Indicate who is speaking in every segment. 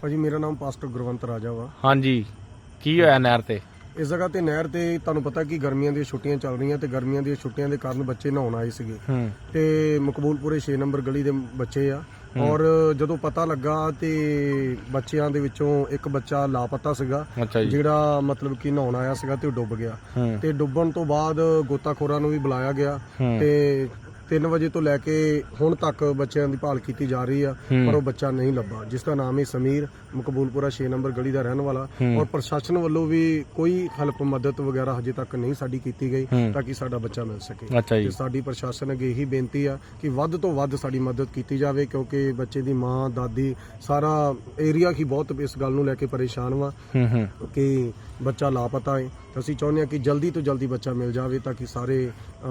Speaker 1: ਭਾਜੀ ਮੇਰਾ ਨਾਮ ਪਾਸਟਰ ਗੁਰਵੰਤ ਰਾਜਾ ਵਾ।
Speaker 2: ਹਾਂਜੀ, ਕੀ ਹੋਇਆ ਨਹਿਰ ਤੇ?
Speaker 1: ਇਸ ਜਗ੍ਹਾ ਤੇ ਨਹਿਰ ਤੇ ਤੁਹਾਨੂੰ ਪਤਾ ਕਿ ਗਰਮੀਆਂ ਦੀਆਂ ਛੁੱਟੀਆਂ ਚੱਲ ਰਹੀਆਂ ਤੇ ਗਰਮੀਆਂ ਦੀਆਂ ਛੁੱਟੀਆਂ ਦੇ ਕਾਰਨ ਬੱਚੇ ਨਹਾਉਣ ਆਏ ਸੀਗੇ ਤੇ ਮਕਬੂਲਪੁਰੇ 6 ਨੰਬਰ ਗਲੀ ਦੇ ਬੱਚੇ ਆ। ਔਰ ਜਦੋਂ ਪਤਾ ਲੱਗਾ ਤੇ ਬੱਚਿਆਂ ਦੇ ਵਿੱਚੋਂ ਇੱਕ ਬੱਚਾ ਲਾਪਤਾ ਸੀਗਾ, ਜਿਹੜਾ ਮਤਲਬ ਕਿ ਨਹਾਉਣ ਆਇਆ ਸੀਗਾ ਤੇ ਉਹ ਡੁੱਬ ਗਿਆ। ਤੇ ਡੁੱਬਣ ਤੋਂ ਬਾਅਦ ਗੋਤਾਖੋਰਾਂ ਨੂੰ ਵੀ ਬੁਲਾਇਆ ਗਿਆ ਤੇ 3 ਵਜੇ ਤੋਂ ਲੈ ਕੇ ਹੁਣ ਤੱਕ ਬੱਚਿਆਂ ਦੀ ਭਾਲ ਕੀਤੀ ਜਾ ਰਹੀ ਆ, ਪਰ ਉਹ ਬੱਚਾ ਨਹੀਂ ਲੱਭਾ, ਜਿਸ ਦਾ ਨਾਮ ਹੈ ਸਮੀਰ, ਮਕਬੂਲਪੁਰਾ 6 ਨੰਬਰ ਗਲੀ ਦਾ ਰਹਿਣ ਵਾਲਾ। ਔਰ ਪ੍ਰਸ਼ਾਸਨ ਵੱਲੋਂ ਵੀ ਕੋਈ ਹੈਲਪ ਮਦਦ ਵਗੈਰਾ ਹਜੇ ਤੱਕ ਨਹੀਂ ਸਾਡੀ ਕੀਤੀ ਗਈ ਤਾਂ ਕਿ ਸਾਡਾ ਬੱਚਾ ਮਿਲ ਸਕੇ। ਤੇ ਸਾਡੀ ਪ੍ਰਸ਼ਾਸਨ ਅੱਗੇ ਇਹੀ ਬੇਨਤੀ ਆ ਕਿ ਵੱਧ ਤੋਂ ਵੱਧ ਸਾਡੀ ਮਦਦ ਕੀਤੀ ਜਾਵੇ, ਕਿਉਂਕਿ ਬੱਚੇ ਦੀ ਮਾਂ, ਦਾਦੀ, ਸਾਰਾ ਏਰੀਆ ਹੀ ਬਹੁਤ ਇਸ ਗੱਲ ਨੂੰ ਲੈ ਕੇ ਪਰੇਸ਼ਾਨ ਵਾ ਕਿ ਬੱਚਾ ਲਾਪਤਾ ਹੈ। ਅਸੀਂ ਚਾਹੁੰਦੇ ਹਾਂ ਕਿ ਜਲਦੀ ਤੋਂ ਜਲਦੀ ਬੱਚਾ ਮਿਲ ਜਾਵੇ ਤਾਂ ਕਿ ਸਾਰੇ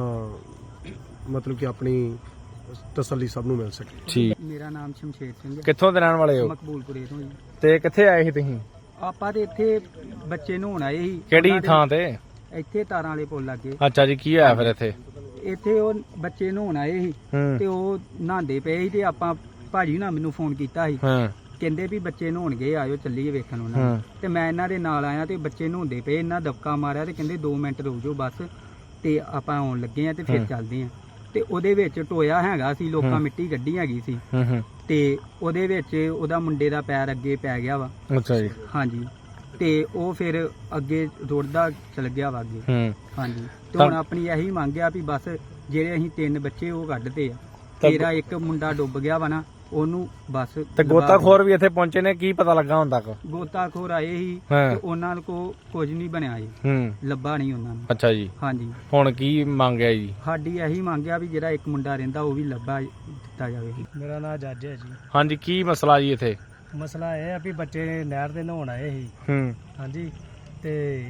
Speaker 1: ਮਤਲਬ ਕਿ ਆਪਣੀ ਤਸੱਲੀ ਸਭ ਨੂੰ ਮਿਲ ਸਕੇ।
Speaker 2: ਠੀਕ।
Speaker 3: ਮੇਰਾ ਨਾਮ ਸ਼ਮਸ਼ੇਰ ਸਿੰਘ ਹੈ।
Speaker 2: ਕਿੱਥੋਂ ਦੇ ਰਹਿਣ ਵਾਲੇ ਹੋ?
Speaker 3: ਮਕਬੂਲਪੁਰੇ ਤੋਂ ਜੀ।
Speaker 2: ਤੇ ਕਿੱਥੇ ਆਏ ਸੀ ਤੁਸੀਂ?
Speaker 3: ਆਪਾਂ ਤੇ ਇੱਥੇ ਬੱਚੇ ਨਹਾਉਣ ਆਏ ਸੀ।
Speaker 2: ਕਿਹੜੀ ਥਾਂ ਤੇ?
Speaker 3: ਇੱਥੇ ਤਾਰਾਂ ਵਾਲੇ ਪੁੱਲ ਲੱਗੇ।
Speaker 2: ਅੱਛਾ ਜੀ, ਕੀ ਹੋਇਆ ਫਿਰ ਇੱਥੇ?
Speaker 3: ਇੱਥੇ ਉਹ ਬੱਚੇ ਨਹਾਉਣ ਆਏ ਸੀ ਤੇ ਉਹ ਨਹਾਉਂਦੇ ਪਏ ਸੀ ਤੇ ਆਪਾਂ ਭਾਜੀ ਨਾਲ ਮੈਨੂੰ ਫੋਨ ਕੀਤਾ ਸੀ, ਕਹਿੰਦੇ ਵੀ ਬੱਚੇ ਨਹਾਉਣ ਗਏ, ਆਇਓ ਚੱਲੀਏ ਵੇਖਣ ਉਹਨਾਂ ਨੂੰ। ਤੇ ਮੈਂ ਇਹਨਾਂ ਦੇ ਨਾਲ ਆਇਆ ਤੇ ਬੱਚੇ ਨਹਾਉਂਦੇ ਪਏ, ਇਹਨਾਂ ਦਬਕਾ ਮਾਰਿਆ ਤੇ ਕਹਿੰਦੇ 2 ਮਿੰਟ ਰੁਕ ਜਾਓ ਬਸ, ਤੇ ਆਪਾਂ ਆਉਣ ਲੱਗੇ ਆ ਤੇ ਫਿਰ ਚੱਲਦੇ ਆ। ਤੇ ਉਹਦੇ ਵਿੱਚ ਟੋਇਆ ਹੈਗਾ ਸੀ, ਲੋਕਾਂ ਮਿੱਟੀ ਗੱਡੀ ਹੈਗੀ ਸੀ ਤੇ ਉਹਦੇ ਵਿੱਚ ਉਹਦਾ ਮੁੰਡੇ ਦਾ ਪੈਰ ਅੱਗੇ ਪੈ ਗਿਆ ਵਾ।
Speaker 2: ਅੱਛਾ ਜੀ।
Speaker 3: ਹਾਂਜੀ, ਤੇ ਉਹ ਫਿਰ ਅੱਗੇ ਰੁੜਦਾ ਚਲ ਗਿਆ ਵਾ ਅੱਗੇ। ਹਾਂਜੀ, ਤੇ ਹੁਣ ਆਪਣੀ ਇਹੀ ਮੰਗ ਆ ਵੀ ਬਸ ਜਿਹੜੇ ਅਸੀਂ 3 ਬੱਚੇ ਉਹ ਕੱਢਦੇ ਆ, ਤੇਰਾ ਇੱਕ ਮੁੰਡਾ ਡੁੱਬ ਗਿਆ ਵਾ ਨਾ, ਉਹਨੂੰ ਬਸ। ਤੇ
Speaker 2: ਗੋਤਾਖੋਰ ਵੀ ਇੱਥੇ ਪਹੁੰਚੇ ਨੇ, ਕੀ ਪਤਾ ਲੱਗਾ ਹੁਣ ਤੱਕ?
Speaker 3: ਗੋਤਾਖੋਰ ਆਏ ਸੀ ਤੇ ਉਹਨਾਂ ਕੋ ਕੁਝ ਨਹੀਂ ਬਣਿਆ ਜੀ, ਲੱਭਾ ਨਹੀਂ ਉਹਨਾਂ ਨੂੰ। ਅੱਛਾ ਜੀ। ਹਾਂਜੀ, ਹੁਣ ਕੀ ਮੰਗਿਆ ਜੀ? ਸਾਡੀ ਇਹੀ ਮੰਗਿਆ ਵੀ ਜਿਹੜਾ ਇੱਕ ਮੁੰਡਾ ਰਹਿੰਦਾ ਉਹ ਵੀ ਲੱਭਾ ਦਿੱਤਾ ਜਾਵੇ। ਮੇਰਾ ਨਾਮ ਜੱਜ ਹੈ ਜੀ।
Speaker 2: ਹਾਂਜੀ, ਕੀ ਮਸਲਾ ਜੀ ਇੱਥੇ?
Speaker 3: ਮਸਲਾ ਇਹ ਆ ਵੀ ਬੱਚੇ ਨਹਿਰ ਦੇ ਨਹਾਉਣ ਆਏ ਸੀ। ਹਾਂਜੀ, ਤੇ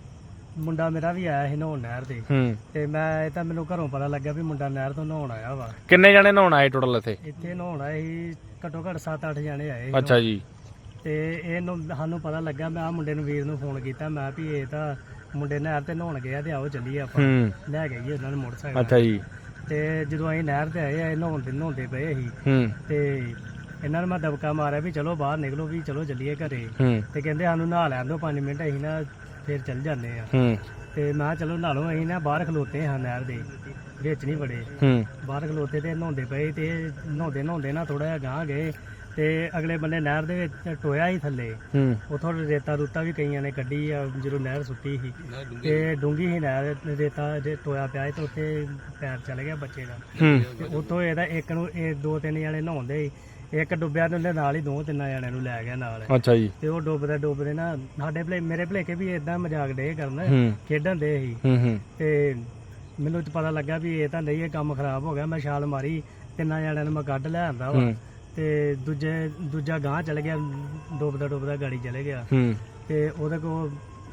Speaker 3: ਮੁੰਡਾ ਮੇਰਾ ਵੀ ਆਇਆ ਸੀ ਨਹਾਉਣ ਨਹਿਰ ਤੇ। ਤੇ ਮੈਂ ਇਹ ਤਾਂ ਮੈਨੂੰ ਘਰੋਂ ਪਤਾ ਲੱਗਿਆ ਵੀ ਮੁੰਡਾ ਨਹਿਰ ਤੋਂ ਨਹਾਉਣ ਆਇਆ ਵਾ।
Speaker 2: ਕਿੰਨੇ ਜਣੇ ਨਹਾਉਣ ਆਏ ਟੋਟਲ ਇੱਥੇ?
Speaker 3: ਇੱਥੇ ਨਹਾਉਣ ਆਏ ਸੀ ਘੱਟੋ ਘੱਟ 7-8 ਜਣੇ ਆਏ।
Speaker 2: ਅੱਛਾ ਜੀ।
Speaker 3: ਤੇ ਇਹਨੂੰ ਸਾਨੂੰ ਪਤਾ ਲੱਗਾ, ਮੈਂ ਆ ਮੁੰਡੇ ਨੂੰ, ਵੀਰ ਨੂੰ ਫੋਨ ਕੀਤਾ, ਮੈਂ ਵੀ ਇਹ ਤਾਂ ਮੁੰਡੇ ਨਹਿਰ ਤੇ ਨਹਾਉਣ ਗਏ ਤੇ ਆਓ ਚੱਲੀਏ ਆਪਾਂ ਲੈ ਕੇ ਗਏ ਉਹਨਾਂ ਨੂੰ ਮੋਟਰਸਾਈਕਲ। ਅੱਛਾ ਜੀ। ਤੇ ਜਦੋਂ ਅਸੀਂ ਨਹਿਰ ਤੇ ਆਏ, ਨਹਾਉਂਦੇ ਪਏ ਸੀ ਤੇ ਇਹਨਾਂ ਨੂੰ ਮੈਂ ਦਬਕਾ ਮਾਰਿਆ ਵੀ ਚਲੋ ਬਾਹਰ ਨਿਕਲੋ, ਵੀ ਚਲੋ ਚੱਲੀਏ ਘਰੇ। ਤੇ ਕਹਿੰਦੇ ਸਾਨੂੰ ਨਹਾ ਲੈਣ ਦਿਓ 5 ਮਿੰਟ, ਅਸੀਂ ਨਾ ਫਿਰ ਚੱਲ ਜਾਂਦੇ ਆ। ਤੇ ਮੈਂ ਚਲੋ ਨਹਾ ਲਓ, ਅਸੀਂ ਨਾ ਬਾਹਰ ਖਲੋਤੇ ਹਾਂ ਨਹਿਰ ਦੇ ਵਿੱਚ, ਨਹੀਂ ਬੜੇ ਬਾਹਰ ਖਲੋਤੇ ਤੇ ਨਹਾਉਂਦੇ ਪਏ। ਤੇ ਨਹਾਉਂਦੇ ਨਾ ਥੋੜਾ ਜਿਹਾ ਗਾਂਹ ਗਏ ਤੇ ਅਗਲੇ ਬੰਨੇ ਨਹਿਰ ਦੇ ਵਿੱਚ ਟੋਇਆ ਹੀ ਥੱਲੇ, ਉਥੋਂ ਰੇਤਾ ਰੂਤਾ ਵੀ ਕਈਆਂ ਨੇ ਕੱਢੀ ਆ ਜਦੋਂ ਨਹਿਰ ਸੁੱਟੀ ਸੀ। ਤੇ ਡੂੰਗੀ ਸੀ ਨਹਿਰ, ਰੇਤਾ ਟੋਇਆ ਪਿਆ ਤੇ ਉੱਥੇ ਪੈਰ ਚਲ ਗਿਆ ਬੱਚੇ ਦਾ। ਤੇ ਉੱਥੋਂ ਇਹਦਾ ਇੱਕ ਨੂੰ 2-3 ਜਣੇ ਨਹਾਉਂਦੇ, ਇੱਕ ਡੁੱਬਿਆ ਤੇ ਉਹਦੇ ਨਾਲ ਹੀ 2-3 ਜਣਿਆਂ ਨੂੰ ਲੈ ਗਿਆ ਨਾਲ। ਅੱਛਾ ਜੀ। ਤੇ ਉਹ ਡੁੱਬਦੇ ਨਾ ਸਾਡੇ ਮੇਰੇ ਭਲੇਖੇ ਵੀ ਏਦਾਂ ਮਜ਼ਾਕ ਡੇ ਕਰਨ, ਖੇਡਣ ਦੇ ਸੀ। ਤੇ ਮੈਨੂੰ ਪਤਾ ਲੱਗਾ ਵੀ ਇਹ ਤਾਂ ਨਹੀਂ, ਇਹ ਕੰਮ ਖਰਾਬ ਹੋ ਗਿਆ। ਮੈਂ ਛਾਲ ਮਾਰੀ, 3 ਜਣਿਆਂ ਨੂੰ ਮੈਂ ਕੱਢ ਲੈ ਆਂਦਾ ਵਾ ਤੇ ਦੂਜਾ ਗਾਂਹ ਚਲੇ ਗਿਆ, ਡੁੱਬਦਾ ਗਾੜੀ ਚਲੇ ਗਿਆ। ਤੇ ਉਹਦੇ ਕੋਲ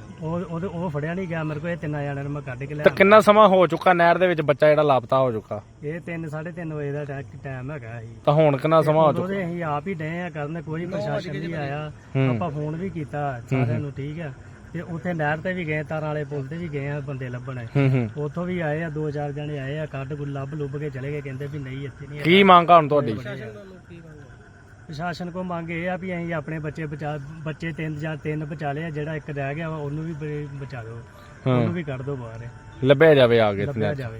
Speaker 3: ਉਹ ਫੜਿਆ ਨਹੀਂ ਗਿਆ ਮੇਰੇ ਕੋਲ। ਇਹ 3 ਜਣਿਆਂ ਨੂੰ ਮੈਂ ਕੱਢ ਕੇ ਲਿਆ।
Speaker 2: ਕਿੰਨਾ ਸਮਾਂ ਹੋ ਚੁੱਕਾ ਨਹਿਰ ਦੇ ਵਿੱਚ ਬੱਚਾ ਜਿਹੜਾ ਲਾਪਤਾ ਹੋ ਚੁੱਕਾ?
Speaker 3: ਇਹ 3-3:30 ਵਜੇ ਦਾ ਟਾਈਮ ਹੈਗਾ ਸੀ।
Speaker 2: ਤਾਂ ਹੁਣ ਕਿੰਨਾ ਸਮਾਂ ਹੋ ਚੁੱਕਾ?
Speaker 3: ਅਸੀਂ ਆਪ ਹੀ ਡਏ ਆ ਕਰਨ, ਕੋਈ ਪ੍ਰਸ਼ਾਸਨ ਨਹੀਂ ਆਇਆ। ਆਪਾਂ ਫੋਨ ਵੀ ਕੀਤਾ ਸਾਰਿਆਂ ਨੂੰ, ਠੀਕ ਆ। ਤੇ ਉੱਥੇ ਨਹਿਰ ਤੇ ਵੀ ਗਏ, ਤਾਰਾਂ ਵਾਲੇ ਪੁਲ ਤੇ ਵੀ ਗਏ ਆ ਬੰਦੇ ਲੱਭਣ। ਉੱਥੋਂ ਵੀ ਆਏ ਆ, 2-4 ਜਣੇ ਆਏ ਆ, ਕੱਢ ਲੱਭ ਕੇ ਚਲੇ ਗਏ, ਕਹਿੰਦੇ ਵੀ ਨਹੀਂ ਇੱਥੇ ਨਹੀਂ। ਕੀ
Speaker 2: ਮੰਗ ਆ ਹੁਣ ਤੁਹਾਡੀ?
Speaker 3: ਪ੍ਰਸ਼ਾਸਨ ਕੋ ਮੰਗ ਇਹ ਆ ਵੀ ਅਸੀਂ ਆਪਣੇ ਬੱਚੇ 3 ਬਚਾ ਲਏ, ਜਿਹੜਾ ਇੱਕ ਰਹਿ ਗਿਆ ਵਾ ਉਹਨੂੰ ਵੀ ਬਚਾ ਦਿਓ, ਉਹਨੂੰ ਵੀ ਕੱਢ ਦਿਓ ਬਾਹਰ,
Speaker 2: ਲੱਭਿਆ ਜਾਵੇ।